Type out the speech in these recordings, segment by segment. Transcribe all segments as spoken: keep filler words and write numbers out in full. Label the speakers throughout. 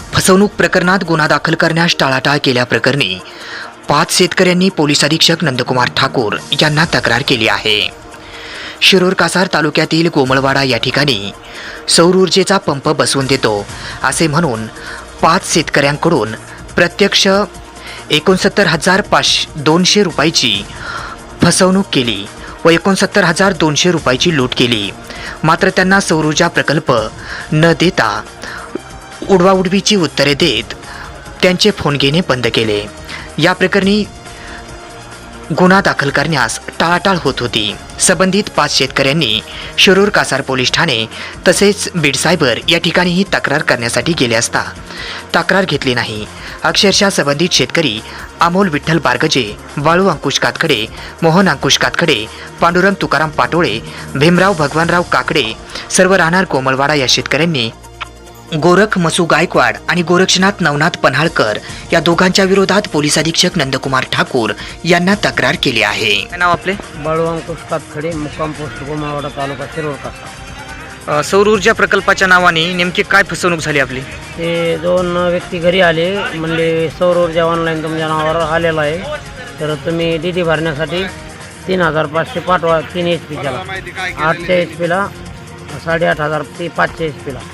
Speaker 1: फसवणूक प्रकरणात गुन्हा दाखल करण्यास टाळाटाळ केल्याप्रकरणी पाच शेतकऱ्यांनी पोलीस अधीक्षक नंदकुमार ठाकूर यांना तक्रार केली आहे। शिरूर कासार तालुक्यातील गोमळवाडा या ठिकाणी सौर ऊर्जेचा पंप बसवून देतो असे म्हणून पाच शेतकऱ्यांकडून प्रत्यक्ष एकोणसत्तर हजार पाचशे दोनशे रुपयाची फसवणूक केली व एकोणसत्तर हजार दोनशे रुपयाची लूट केली। मात्र त्यांना सौर ऊर्जा प्रकल्प न देता उडवाउडवीची उत्तरे देत त्यांचे फोन घेणे बंद केले। या प्रकरणी गुन्हा दाखल करण्यास टाळाटाळ होत होती। संबंधित पाच शेतकऱ्यांनी शिरूर कासार पोलीस ठाणे तसेच बीड सायबर या ठिकाणीही तक्रार करण्यासाठी गेले असता तक्रार घेतली नाही। अक्षरशः संबंधित शेतकरी अमोल विठ्ठल बारगजे, वाळू अंकुश कातकडे, मोहन अंकुश कातकडे, पांडुरंग तुकाराम पाटोळे, भीमराव भगवानराव काकडे सर्व राहणार कोमलवाडा या शेतकऱ्यांनी गोरख मसू गायकवाड आणि गोरक्षनाथ नवनाथ पन्हाळकर या दोघांच्या विरोधात पोलीस अधीक्षक नंदकुमार ठाकूर यांना तक्रार केली आहे।
Speaker 2: काय नाव आपले?
Speaker 3: वाळू अंकुश कातकडे, मुक्काम पोस्ट गोमाळवाडा, तालुका शिरूर कासार।
Speaker 2: सौर ऊर्जा प्रकल्पाच्या नावाने नेमकी काय फसवणूक झाली आपली?
Speaker 3: ते दोन व्यक्ती घरी आले, म्हणले सौर ऊर्जा ऑनलाईन तुमच्या नावावर आलेला आहे, तर तुम्ही डी डी भरण्यासाठी तीन हजार पाचशे पाठवा। तीन एच पीच्याला आठशे एच पीला साडेआठ हजार ते पाचशे एच पीला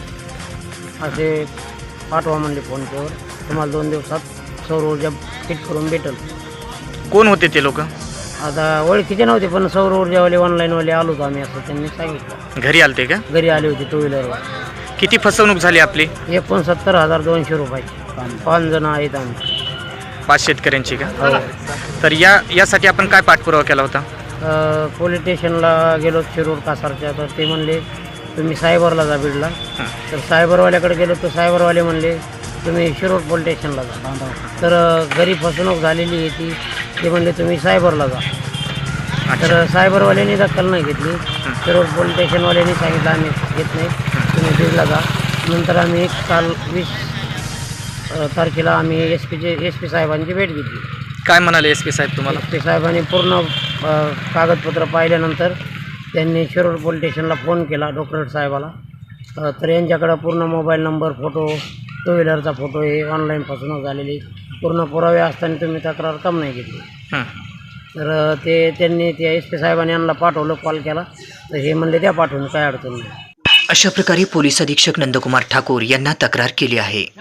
Speaker 3: असे पाठवा म्हणले फोनपेवर। तुम्हाला दोन दिवसात सौर ऊर्जा फिट करून भेटेल।
Speaker 2: कोण होते ते लोक?
Speaker 3: आता ओळखीचे नव्हते, पण सौर ऊर्जावाले ऑनलाईनवाले आलो होतो आम्ही, असं त्यांनी सांगितलं।
Speaker 2: घरी आलते का?
Speaker 3: घरी आले होते टू व्हीलरवर।
Speaker 2: किती फसवणूक झाली आपली?
Speaker 3: एकोणसत्तर हजार दोनशे रुपये। पाच जण आहेत आम्ही,
Speaker 2: पाच शेतकऱ्यांची का?
Speaker 3: हो।
Speaker 2: तर या यासाठी आपण काय पाठपुरावा केला होता?
Speaker 3: अ, पोलीस स्टेशनला गेलो शिरूर कासारच्या, तर ते म्हणले तुम्ही सायबरला जा बीडला। तर सायबरवाल्याकडे गेलो तर सायबरवाले म्हणले तुम्ही शिरूर पोलीस स्टेशनला जा। तर अ, घरी फसवणूक झालेली आहे ती, ते म्हणले तुम्ही सायबरला जा। तर सायबरवाल्यांनी दखल नाही घेतली। शिरूर पोलीस स्टेशनवाल्यांनी सांगितलं आम्ही घेत नाही, तुम्ही बीडला जा। नंतर आम्ही एक काल वीस अ, तारखेला आम्ही एस पीचे एस पी साहेबांची भेट घेतली।
Speaker 2: काय म्हणाले एस पी साहेब तुम्हाला?
Speaker 3: एस पी साहेबांनी पूर्ण अ, कागदपत्र पाहिल्यानंतर त्यांनी शिरूर पोलीस स्टेशनला फोन केला डॉक्टर साहेबाला। अ, तर यांच्याकडं पूर्ण मोबाईल नंबर, फोटो, टू व्हीलरचा फोटो हे ऑनलाईन फसवणूक झालेली पूर्ण पुरावे असताना तुम्ही तक्रार कम नाही घेतली। तर अ, ते त्यांनी त्या एस पी साहेबांनी यांना पाठवलं, कॉल केला, तर हे म्हणले त्या पाठवून काय अडचण नाही।
Speaker 1: अशा प्रकारे पोलीस अधीक्षक नंदकुमार ठाकूर यांना तक्रार केली आहे।